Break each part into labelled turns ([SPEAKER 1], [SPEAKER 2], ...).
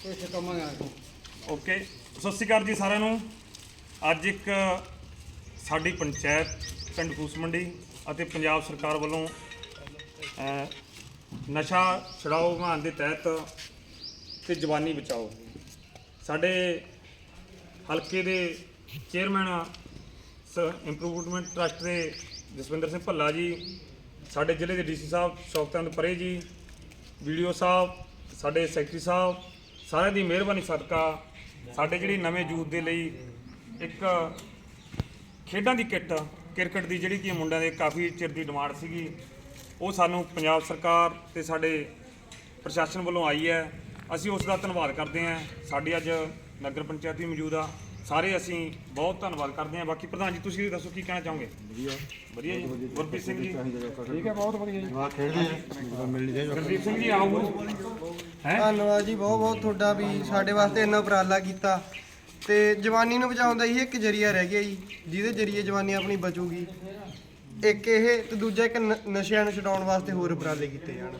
[SPEAKER 1] Okay, ਸਤਿ ਸ਼੍ਰੀ ਅਕਾਲ ਜੀ ਸਾਰਿਆਂ ਨੂੰ। ਅੱਜ ਇੱਕ ਸਾਡੀ ਪੰਚਾਇਤ ਪਿੰਡ ਫੂਸ ਮੰਡੀ ਅਤੇ ਪੰਜਾਬ ਸਰਕਾਰ ਵੱਲੋਂ ਨਸ਼ਾ ਛੁਡਾਓ ਅਭਿਆਨ ਦੇ ਤਹਿਤ ਤੇ ਜਵਾਨੀ ਬਚਾਓ ਸਾਡੇ ਹਲਕੇ ਦੇ ਚੇਅਰਮੈਨ ਇੰਪਰੂਵਮੈਂਟ ਟਰਸਟ ਦੇ ਜਸਵਿੰਦਰ ਸਿੰਘ ਭੱਲਾ ਜੀ, ਸਾਡੇ ਜ਼ਿਲ੍ਹੇ ਦੇ ਡੀਸੀ ਸਾਹਿਬ ਸ਼ੌਕਤਚੰਦ ਪਰੇ ਜੀ, ਵੀਡੀਓ ਸਾਹਿਬ, ਸਾਡੇ ਸੈਕਟਰੀ ਸਾਹਿਬ, ਸਾਰਿਆਂ ਦੀ ਮਿਹਰਬਾਨੀ ਸਦਕਾ ਸਾਡੇ ਜਿਹੜੀ ਨਵੇਂ ਯੂਥ ਦੇ ਲਈ ਇੱਕ ਖੇਡਾਂ ਦੀ ਕਿੱਟ ਕ੍ਰਿਕਟ ਦੀ ਜਿਹੜੀ ਕਿ ਮੁੰਡਿਆਂ ਦੇ ਕਾਫੀ ਚਿਰ ਦੀ ਡਿਮਾਂਡ ਸੀਗੀ, ਉਹ ਸਾਨੂੰ ਪੰਜਾਬ ਸਰਕਾਰ ਤੇ ਸਾਡੇ ਪ੍ਰਸ਼ਾਸਨ ਵੱਲੋਂ ਆਈ ਹੈ। ਅਸੀਂ ਉਸ ਦਾ ਧੰਨਵਾਦ ਕਰਦੇ ਹਾਂ। ਸਾਡੀ ਅੱਜ ਨਗਰ ਪੰਚਾਇਤ ਵੀ ਮੌਜੂਦ ਆ, ਸਾਰੇ ਅਸੀਂ ਬਹੁਤ ਧੰਨਵਾਦ ਕਰਦੇ ਹਾਂ। ਬਾਕੀ ਪ੍ਰਧਾਨ ਜੀ ਤੁਸੀਂ ਦੱਸੋ ਕੀ ਕਹਿਣਾ ਚਾਹੋਗੇ? ਵਧੀਆ ਜੀ। ਗੁਰਪ੍ਰੀਤ ਸਿੰਘ ਜੀ
[SPEAKER 2] ਠੀਕ ਹੈ, ਬਹੁਤ ਵਧੀਆ ਜੀ।
[SPEAKER 1] ਗੁਰਪ੍ਰੀਤ ਸਿੰਘ ਜੀ ਆਓ।
[SPEAKER 3] ਧੰਨਵਾਦ ਜੀ, ਬਹੁਤ ਬਹੁਤ ਤੁਹਾਡਾ ਵੀ ਸਾਡੇ ਵਾਸਤੇ ਇੰਨਾ ਉਪਰਾਲਾ ਕੀਤਾ ਤੇ ਜਵਾਨੀ ਨੂੰ ਬਚਾਉਣ ਦਾ ਇਹ ਇੱਕ ਜਰੀਆ ਰਹਿ ਗਿਆ ਜੀ, ਜਿਹਦੇ ਜਰੀਏ ਜਵਾਨੀ ਆਪਣੀ ਬਚੂਗੀ। ਇੱਕ ਇਹ ਤੇ ਦੂਜਾ ਇੱਕ ਨਸ਼ਿਆਂ ਨੂੰ ਛਡਾਉਣ ਵਾਸਤੇ ਹੋਰ ਉਪਰਾਲੇ ਕੀਤੇ ਜਾਣ।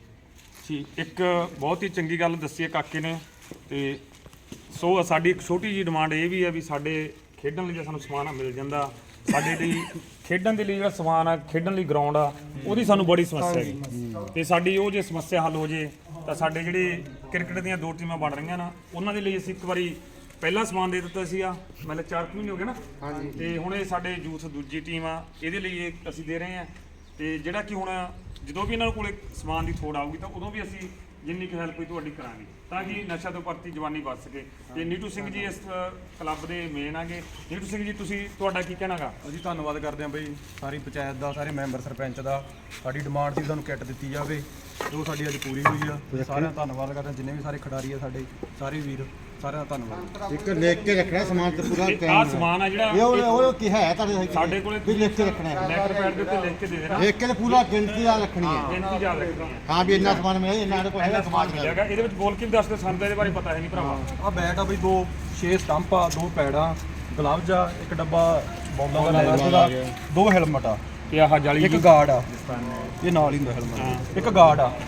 [SPEAKER 1] ਠੀਕ, ਇੱਕ ਬਹੁਤ ਹੀ ਚੰਗੀ ਗੱਲ ਦੱਸੀ ਹੈ ਕਾਕੇ ਨੇ। ਤੇ ਸੋ ਸਾਡੀ ਇੱਕ ਛੋਟੀ ਜਿਹੀ ਡਿਮਾਂਡ ਇਹ ਵੀ ਹੈ ਵੀ ਸਾਡੇ ਖੇਡਣ ਲਈ ਜੇ ਸਾਨੂੰ ਸਮਾਨ ਮਿਲ ਜਾਂਦਾ, ਸਾਡੇ ਲਈ ਖੇਡਣ ਦੇ ਲਈ ਜਿਹੜਾ ਸਮਾਨ ਆ, ਖੇਡਣ ਲਈ ਗਰਾਊਂਡ ਆ, ਉਹਦੀ ਸਾਨੂੰ ਬੜੀ ਸਮੱਸਿਆ ਹੈਗੀ। ਤੇ ਸਾਡੀ ਉਹ ਜੇ ਸਮੱਸਿਆ ਹੱਲ ਹੋ ਜੇ ਤਾਂ ਸਾਡੇ ਜਿਹੜੇ ਕ੍ਰਿਕਟ ਦੀਆਂ 2 ਟੀਮਾਂ ਬਣ ਰਹੀਆਂ ਨਾ, ਉਹਨਾਂ ਦੇ ਲਈ ਅਸੀਂ ਇੱਕ ਵਾਰੀ ਪਹਿਲਾ ਸਮਾਨ ਦੇ ਦਿੱਤਾ ਸੀਗਾ, ਮਤਲਬ 4 ਮਹੀਨੇ ਹੋ ਗਏ ਨਾ। ਤੇ ਹੁਣ ਇਹ ਸਾਡੇ ਯੂਥ ਦੂਜੀ ਟੀਮ ਆ, ਇਹਦੇ ਲਈ ਇਹ ਅਸੀਂ ਦੇ ਰਹੇ ਹਾਂ। ਤੇ ਜਿਹੜਾ ਕਿ ਹੁਣ ਜਦੋਂ ਵੀ ਇਹਨਾਂ ਕੋਲ ਸਮਾਨ ਦੀ ਥੋੜ ਆਊਗੀ ਤਾਂ ਉਦੋਂ ਵੀ ਅਸੀਂ ਜਿੰਨੀ ਕੁ ਹੈਲਪ ਹੋਈ ਤੁਹਾਡੀ ਕਰਾਂਗੇ ਤਾਂ ਕਿ ਨਸ਼ਾ ਤੋਂ ਪ੍ਰਤੀ ਜਵਾਨੀ ਬਚ ਸਕੇ। ਤੇ ਨੀਟੂ ਸਿੰਘ ਜੀ ਇਸ ਕਲੱਬ ਦੇ ਮੇਨ ਆਗੇ। ਨੀਟੂ ਸਿੰਘ ਜੀ ਤੁਸੀਂ ਤੁਹਾਡਾ ਕੀ ਕਹਿਣਾਗਾ?
[SPEAKER 2] ਅਸੀਂ ਧੰਨਵਾਦ ਕਰਦੇ ਹਾਂ ਬਈ ਸਾਰੀ ਪੰਚਾਇਤ ਦਾ, ਸਾਰੇ ਮੈਂਬਰ ਸਰਪੰਚ ਦਾ। ਸਾਡੀ ਡਿਮਾਂਡ ਸੀ ਸਾਨੂੰ ਕਿੱਟ ਦਿੱਤੀ ਜਾਵੇ, ਜੋ ਸਾਡੀ ਅੱਜ ਪੂਰੀ ਹੋਈ ਆ। ਸਾਰਿਆਂ ਦਾ ਧੰਨਵਾਦ ਕਰਦੇ ਹਾਂ, ਜਿੰਨੇ ਵੀ ਸਾਰੇ ਖਿਡਾਰੀ ਆ ਸਾਡੇ, ਸਾਰੇ ਵੀਰ, ਸਾਰਿਆਂ ਦਾ ਧੰਨਵਾਦ।
[SPEAKER 4] ਇੱਕ ਲਿਖ ਕੇ ਰੱਖਣਾ ਸਮਾਨ ਤੇ ਪੂਰਾ
[SPEAKER 1] ਆਹ ਸਮਾਨ ਆ ਜਿਹੜਾ
[SPEAKER 4] ਉਹ ਕੀ ਹੈ ਤੁਹਾਡੇ
[SPEAKER 1] ਸਾਡੇ ਕੋਲੇ
[SPEAKER 4] ਵੀ ਲਿਖ ਕੇ ਰੱਖਣਾ ਹੈ,
[SPEAKER 1] ਲੈਟਰ ਪੈਡ ਦੇ ਉੱਤੇ ਲਿਖ ਕੇ ਦੇ ਦੇਣਾ,
[SPEAKER 4] ਲਿਖ ਕੇ ਤੇ ਪੂਰਾ ਗਿਣਤੀ ਦਾ ਰੱਖਣੀ ਹੈ।
[SPEAKER 1] ਗਿਣਤੀ ਯਾਦ ਰੱਖਣੀ ਹੈ।
[SPEAKER 4] ਹਾਂ ਵੀ ਇੰਨਾ ਸਮਾਨ ਮਿਲਿਆ, ਇੰਨਾ ਸਾਡੇ ਕੋਲ ਹੈਗਾ ਸਮਾਨ ਮਿਲਿਆ।
[SPEAKER 1] ਹੈਗਾ ਇਹਦੇ ਵਿੱਚ ਬੋਲ ਕੇ ਵੀ ਦੱਸ ਦਿਓ, ਸਾਨੂੰ ਤਾਂ ਇਹਦੇ ਬਾਰੇ ਪਤਾ ਹੈ ਨਹੀਂ ਭਰਾਵਾ।
[SPEAKER 2] ਆਹ ਬੈਟ ਆ ਬਈ 6 ਸਟੰਪ ਆ, 2 ਪੈਡਾਂ, ਗਲਵਜ਼ ਆ, ਇੱਕ ਡੱਬਾ ਬੌਲਾਂ ਦਾ, 2 ਹੈਲਮਟ ਆ,
[SPEAKER 1] ਤੇ ਆਹ ਜਾਲੀ
[SPEAKER 2] ਇੱਕ ਗਾਰਡ ਆ, ਇਹ ਨਾਲ ਹੀ ਹੁੰਦਾ ਹੈਲਮਟ, ਇੱਕ ਗਾਰਡ ਆ,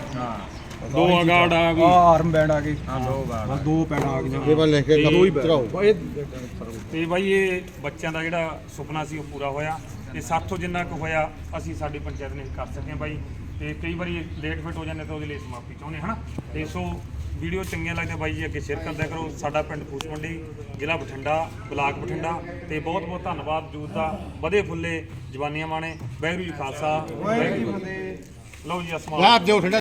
[SPEAKER 1] 2 ਗਾਰਡ ਆ ਗਈ,
[SPEAKER 2] ਆਰਮ ਬੈਂਡ ਆ ਗਈ, 2 ਪੈਡਾਂ ਆ ਗਈਆਂ।
[SPEAKER 4] ਇਹ ਲਿਖ ਕੇ
[SPEAKER 2] ਦੋ ਹੀ
[SPEAKER 4] ਚੜਾਓ।
[SPEAKER 1] ਤੇ ਬਾਈ ਇਹ ਬੱਚਿਆਂ ਦਾ ਜਿਹੜਾ ਸੁਪਨਾ ਸੀ ਉਹ ਪੂਰਾ ਹੋਇਆ ਤੇ ਸਾਥੋਂ ਜਿੰਨਾ ਕੁ ਹੋਇਆ ਅਸੀਂ ਸਾਡੀ ਪੰਚਾਇਤ ਨੇ ਕਰ ਸਕੇ ਬਾਈ। ਤੇ ਕਈ ਵਾਰੀ ਲੇਟ ਫਿਟ ਹੋ ਜਾਂਦੇ ਤਾਂ ਉਹਦੇ ਲਈ ਸਮਾਪਤੀ ਚਾਹੁੰਦੇ ਹਨਾ। ਤੇ ਸੋ ਵੀਡੀਓ ਚੰਗੀਆਂ ਲੱਗਦੀਆਂ ਬਾਈ ਜੀ ਅੱਗੇ ਸ਼ੇਅਰ ਕਰਦਿਆ ਕਰੋ। ਸਾਡਾ ਪਿੰਡ ਫੂਸ ਮੰਡੀ, ਜ਼ਿਲ੍ਹਾ ਬਠਿੰਡਾ, ਬਲਾਕ ਬਠਿੰਡਾ। ਤੇ ਬਹੁਤ ਬਹੁਤ ਧੰਨਵਾਦ ਯੂਥ ਦਾ, ਵਧੇ ਫੁੱਲੇ ਜਵਾਨੀਆਂ ਮਾਣੇ। ਵਾਹਿਗੁਰੂ ਜੀ ਖਾਲਸਾ, ਵਾਹਿਗੁਰੂ ਜੀ ਫਤਿਹ। ਲਓ ਜੀ ਅਸਮਾਨ
[SPEAKER 4] ਲਾਭ ਦਿਓ ਠੰਡਾ।